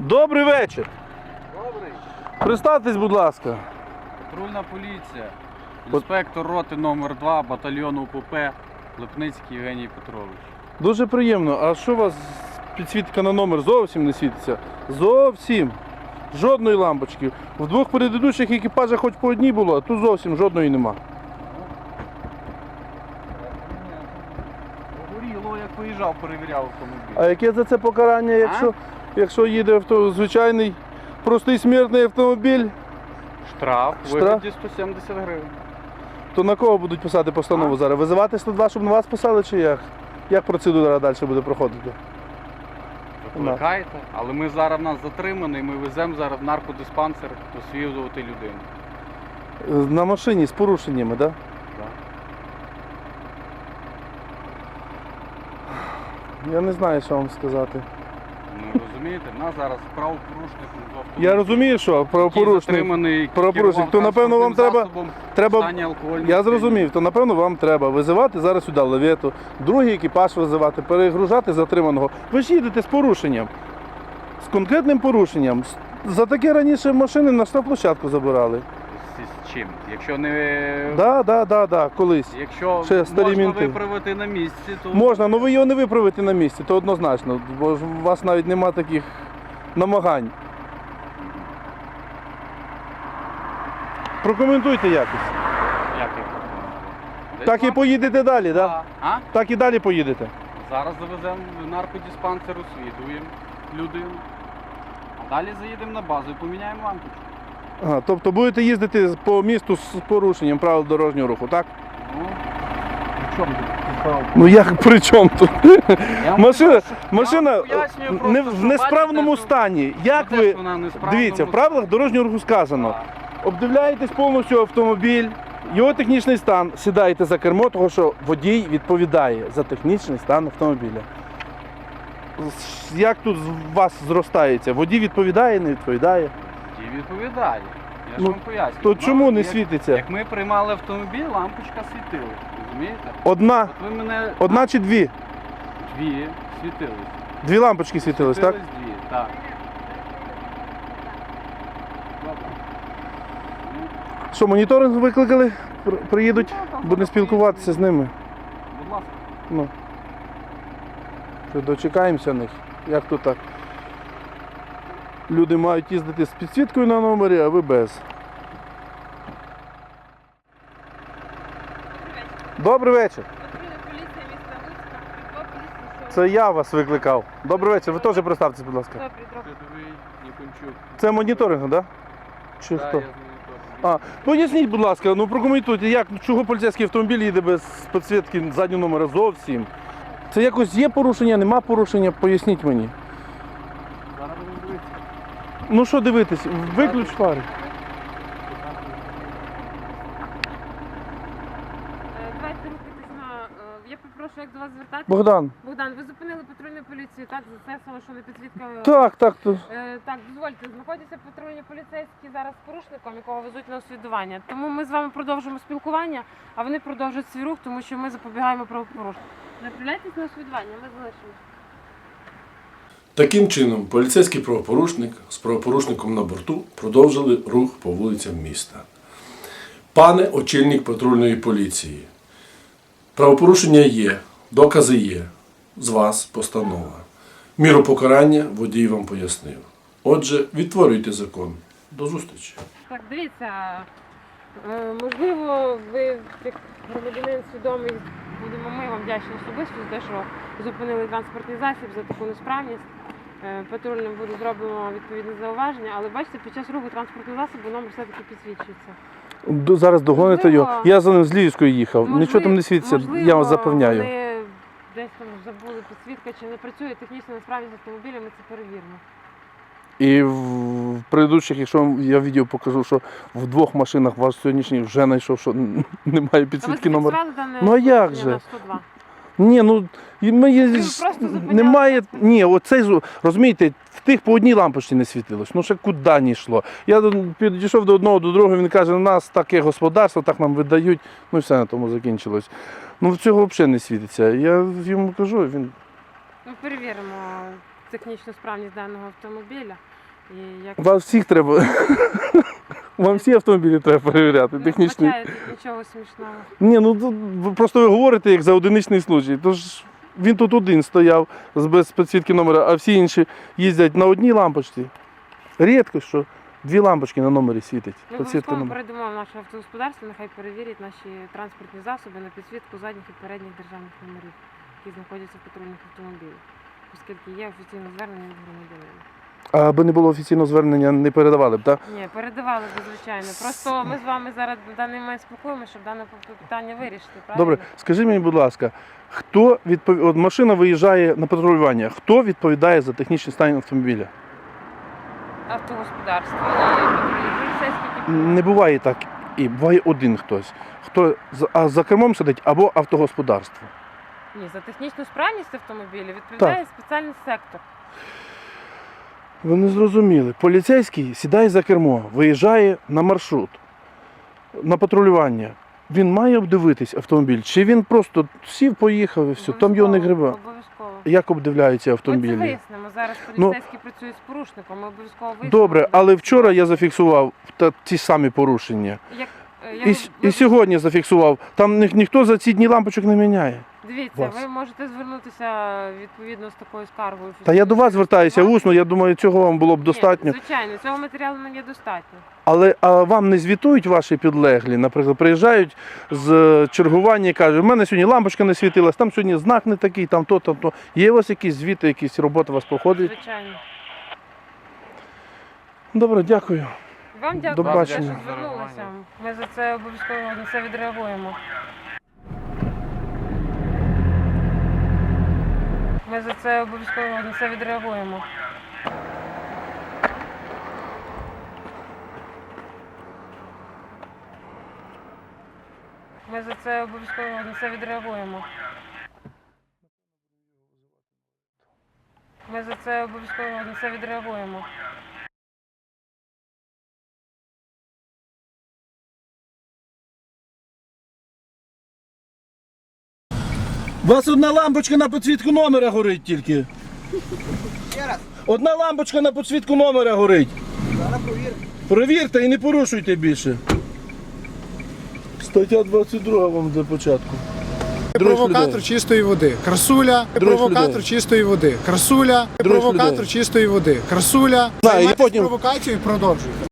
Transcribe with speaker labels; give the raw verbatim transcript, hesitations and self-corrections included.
Speaker 1: Добрий вечір.
Speaker 2: Добрий.
Speaker 1: Представтесь, будь ласка.
Speaker 2: Патрульна поліція. Інспектор роти номер два батальйону УПП Липницький Євгеній Петрович.
Speaker 1: Дуже приємно. А що у вас підсвітка на номер зовсім не світиться? Зовсім. Жодної лампочки. В двох предыдущих екіпажах хоч по одній було, а тут зовсім жодної нема.
Speaker 2: Горіло, як виїжджав, перевіряв автомобіль.
Speaker 1: А яке за це покарання, якщо, якщо їде авто, звичайний простий смертний автомобіль,
Speaker 2: Штраф у
Speaker 1: Штраф?
Speaker 2: вигляді сто сімдесят гривень.
Speaker 1: то на кого будуть писати постанову
Speaker 2: А?
Speaker 1: зараз? Визивати сто два, щоб на вас писали, чи як? Як процедура далі буде проходити?
Speaker 2: Викликайте, але ми зараз в нас затримані, ми веземо зараз в наркодиспансер освідувати людину.
Speaker 1: На машині з порушеннями, так?
Speaker 2: Да.
Speaker 1: Я не знаю, що вам сказати.
Speaker 2: Ну розумієте, в нас зараз правопорушник з автомобіля.
Speaker 1: Я розумію, що правопорушник,
Speaker 2: затриманий,
Speaker 1: правопорушник, то напевно вам треба, треба, я зрозумів, то напевно вам треба визивати зараз сюди лавету, другий екіпаж визивати, перегружати затриманого. Ви ж їдете з порушенням, з конкретним порушенням. За таке раніше машини на штрафплощадку забирали.
Speaker 2: З чим? Якщо не
Speaker 1: Так, так, так, так, колись.
Speaker 2: якщо
Speaker 1: Ще старі
Speaker 2: можна
Speaker 1: мінти.
Speaker 2: виправити на місці, то
Speaker 1: Можна, але ви його не виправите на місці, то однозначно, бо ж у вас навіть нема таких намагань. Прокоментуйте якось.
Speaker 2: як я пропоную? Десь
Speaker 1: Так і
Speaker 2: вам-
Speaker 1: поїдете далі, так? Да?
Speaker 2: А?
Speaker 1: Так і далі поїдете.
Speaker 2: Зараз завеземо в наркодиспансер, освідуємо людину. А далі заїдемо на базу і поміняємо лампочку.
Speaker 1: Ага, тобто будете їздити по місту з порушенням правил дорожнього руху, так?
Speaker 2: Ну, при чому тут?
Speaker 1: Ну як при чому тут?
Speaker 2: Я вам
Speaker 1: Машина,
Speaker 2: кажу, що- я
Speaker 1: машина
Speaker 2: вам пояснюю
Speaker 1: не,
Speaker 2: просто,
Speaker 1: в
Speaker 2: що
Speaker 1: несправному
Speaker 2: бачите, що-
Speaker 1: стані. Як
Speaker 2: Де
Speaker 1: ви,
Speaker 2: ж вона в несправному
Speaker 1: дивіться, в правилах дорожнього руху сказано,
Speaker 2: Так.
Speaker 1: обдивляєтесь повністю автомобіль, його технічний стан, сідаєте за кермо, тому що водій відповідає за технічний стан автомобіля. Як тут з вас зростається? Водій відповідає, не відповідає?
Speaker 2: І відповідає. Я ж
Speaker 1: Ну,
Speaker 2: вам пояснюю.
Speaker 1: То
Speaker 2: Ну,
Speaker 1: чому не
Speaker 2: як-
Speaker 1: світиться?
Speaker 2: Як ми приймали автомобіль, лампочка світила. Розумієте?
Speaker 1: Одна,
Speaker 2: От ви мене
Speaker 1: одна чи дві?
Speaker 2: дві світились.
Speaker 1: Дві лампочки світились, так?
Speaker 2: Світились дві, так. Добре.
Speaker 1: Що, моніторинг викликали? При- Приїдуть,
Speaker 2: Ну, там
Speaker 1: будемо
Speaker 2: зараз
Speaker 1: спілкуватися з ними.
Speaker 2: Будь ласка.
Speaker 1: Ну. Що, дочекаємося них. Як то так? Люди мають їздити з підсвіткою на номері, а ви без. Добрий вечір.
Speaker 3: Патрульна поліція міста Луцька, Прикол поліції, що...
Speaker 1: Це я вас викликав. Добрий вечір. Ви теж представтесь, будь ласка.
Speaker 3: Добрий, добрий.
Speaker 2: Рядовий Нікончук.
Speaker 1: Це моніторинг, так? Да? Чи
Speaker 2: Так,
Speaker 1: хто?
Speaker 2: я з моніторингу.
Speaker 1: А, поясніть, будь ласка, ну прокоментуйте, як, чого поліцейський автомобіль їде без підсвітки заднього номера зовсім? Це якось є порушення, нема порушення? Поясніть мені.
Speaker 2: Зараз будемо дивитися.
Speaker 1: Ну що дивитись, виключ фари.
Speaker 3: Е, Давайте рухатись на... е, Я попрошу, як до вас звертатися.
Speaker 1: Богдан.
Speaker 3: Богдан, ви зупинили патрульну поліцію, так? За це саме, що не підсвітка...
Speaker 1: Так, так. То...
Speaker 3: Е, Так, дозвольте, знаходяться патрульні поліцейські зараз з порушником, якого везуть на освідування. Тому ми з вами продовжимо спілкування, а вони продовжують свій рух, тому що ми запобігаємо правопорушенню. Направляйтесь на освідування, ми залишимо.
Speaker 4: Таким чином, поліцейський правопорушник з правопорушником на борту продовжили рух по вулицям міста. Пане очільник патрульної поліції, правопорушення є, докази є, з вас постанова. Міру покарання водій вам пояснив. Отже, відтворюйте закон. До зустрічі.
Speaker 3: Так, дивіться, е, можливо, ви як громадянин свідомий, будемо ми вам вдячні особисто за те, що зупинили транспортний засіб за таку несправність. Е, Патрульним буде зроблено відповідне зауваження, але бачите, під час руху транспортного засобу номер все-таки підсвічується.
Speaker 1: До- Зараз догоните
Speaker 3: Можливо-
Speaker 1: його. Я за ним з Львівської їхав.
Speaker 3: Можливо-
Speaker 1: Нічого там не світиться,
Speaker 3: можливо,
Speaker 1: я вас запевняю.
Speaker 3: Вони десь там забули підсвітка, чи не працює технічна несправність автомобіля, ми це перевіримо.
Speaker 1: І в в предыдущих, якщо я відео покажу, що в двох машинах ваш сьогоднішній вже знайшов, що немає
Speaker 3: А ви
Speaker 1: підсвітки номера.
Speaker 3: зафіксували дане
Speaker 1: Ну, а як
Speaker 3: порушення
Speaker 1: же?
Speaker 3: на сто два?
Speaker 1: Ні, ну і ми є-
Speaker 3: Ви просто зупиняли
Speaker 1: немає.
Speaker 3: транспорт.
Speaker 1: Ні, оцей зу- розумієте, в тих по одній лампочці не світилось. Ну ще куди не йшло. Я до- підійшов до одного, до другого, він каже, у нас таке господарство, так нам видають. Ну і все на тому закінчилось. Ну в цього взагалі не світиться. Я йому кажу, він
Speaker 3: Ми перевіримо технічну справність даного автомобіля. І як
Speaker 1: Вас всіх треба. Вам всі автомобілі треба перевіряти,
Speaker 3: не
Speaker 1: технічні.
Speaker 3: вбачаю тут нічого смішного.
Speaker 1: Ні, ну тут ви просто ви говорите як за одиничний случай. Тож він тут один стояв з- без підсвітки номера, а всі інші їздять на одній лампочці. Рідко що дві лампочки на номері світить.
Speaker 3: Ми
Speaker 1: Підсвітка
Speaker 3: обов'язково
Speaker 1: номера.
Speaker 3: передамо в наше автогосподарство, нехай перевірять наші транспортні засоби на підсвітку задніх і передніх державних номерів, які знаходяться в патрульних автомобілях, оскільки є офіційне звернення від громадянина.
Speaker 1: А аби не було офіційного звернення, не передавали б, так?
Speaker 3: Ні, передавали б, звичайно. Просто ми з вами зараз на даний момент спілкуємося, щоб дане питання вирішити. Правильно?
Speaker 1: Добре, скажи мені, будь ласка, хто відпов... От машина виїжджає на патрулювання, хто відповідає за технічний стан автомобіля?
Speaker 3: Автогосподарство і патрульні поліцейські. які
Speaker 1: Не буває так, і буває один хтось. Хто за- а за кермом сидить або автогосподарство.
Speaker 3: Ні, за технічну справність автомобіля відповідає спеціальний сектор.
Speaker 1: Ви не зрозуміли. Поліцейський сідає за кермо, виїжджає на маршрут, на патрулювання. Він має обдивитись автомобіль, чи він просто сів, поїхав і все, там його не
Speaker 3: Обов'язково,
Speaker 1: гриба.
Speaker 3: Обов'язково.
Speaker 1: Як обдивляються
Speaker 3: Ми це
Speaker 1: автомобілі?
Speaker 3: вияснимо. Зараз
Speaker 1: Ну,
Speaker 3: поліцейські працюють з порушником, ми обов'язково вияснимо.
Speaker 1: Добре, але вчора я зафіксував та, ті самі порушення.
Speaker 3: Як, е, я
Speaker 1: І,
Speaker 3: ви-
Speaker 1: с- і сьогодні зафіксував. Там ні, ніхто за ці дні лампочок не міняє.
Speaker 3: Дивіться,
Speaker 1: вас.
Speaker 3: ви можете звернутися відповідно з такою скаргою.
Speaker 1: Та я до вас звертаюся усно, я думаю, цього вам було б
Speaker 3: Ні,
Speaker 1: достатньо.
Speaker 3: звичайно, цього матеріалу мені достатньо.
Speaker 1: Але а вам не звітують ваші підлеглі? Наприклад, приїжджають з е, чергування і кажуть, в мене сьогодні лампочка не світилась, там сьогодні знак не такий, там то, там то. Є у вас якісь звіти, якісь роботи у вас проходять?
Speaker 3: Звичайно.
Speaker 1: Добре, дякую.
Speaker 3: Вам
Speaker 1: До
Speaker 3: дякую, за те, що
Speaker 1: побачення.
Speaker 3: звернулися. Ми за це обов'язково на це відреагуємо. Ми за це обов'язково на це відреагуємо. Ми за це обов'язково на це відреагуємо. Ми за це обов'язково на це відреагуємо.
Speaker 1: У вас одна лампочка на підсвітку номера горить тільки. Одна лампочка на підсвітку номера горить.
Speaker 5: Зараз провіримо.
Speaker 1: Провірте і не порушуйте більше. Стаття двадцять два вам для початку. Других
Speaker 5: Провокатор
Speaker 1: людей.
Speaker 5: чистої води. Красуля.
Speaker 1: Других
Speaker 5: Провокатор
Speaker 1: людей.
Speaker 5: чистої води. Красуля.
Speaker 1: Других
Speaker 5: Провокатор
Speaker 1: людей.
Speaker 5: чистої води. Красуля.
Speaker 1: Да, і
Speaker 5: Займайтесь
Speaker 1: потім-
Speaker 5: провокацією і продовжуйте.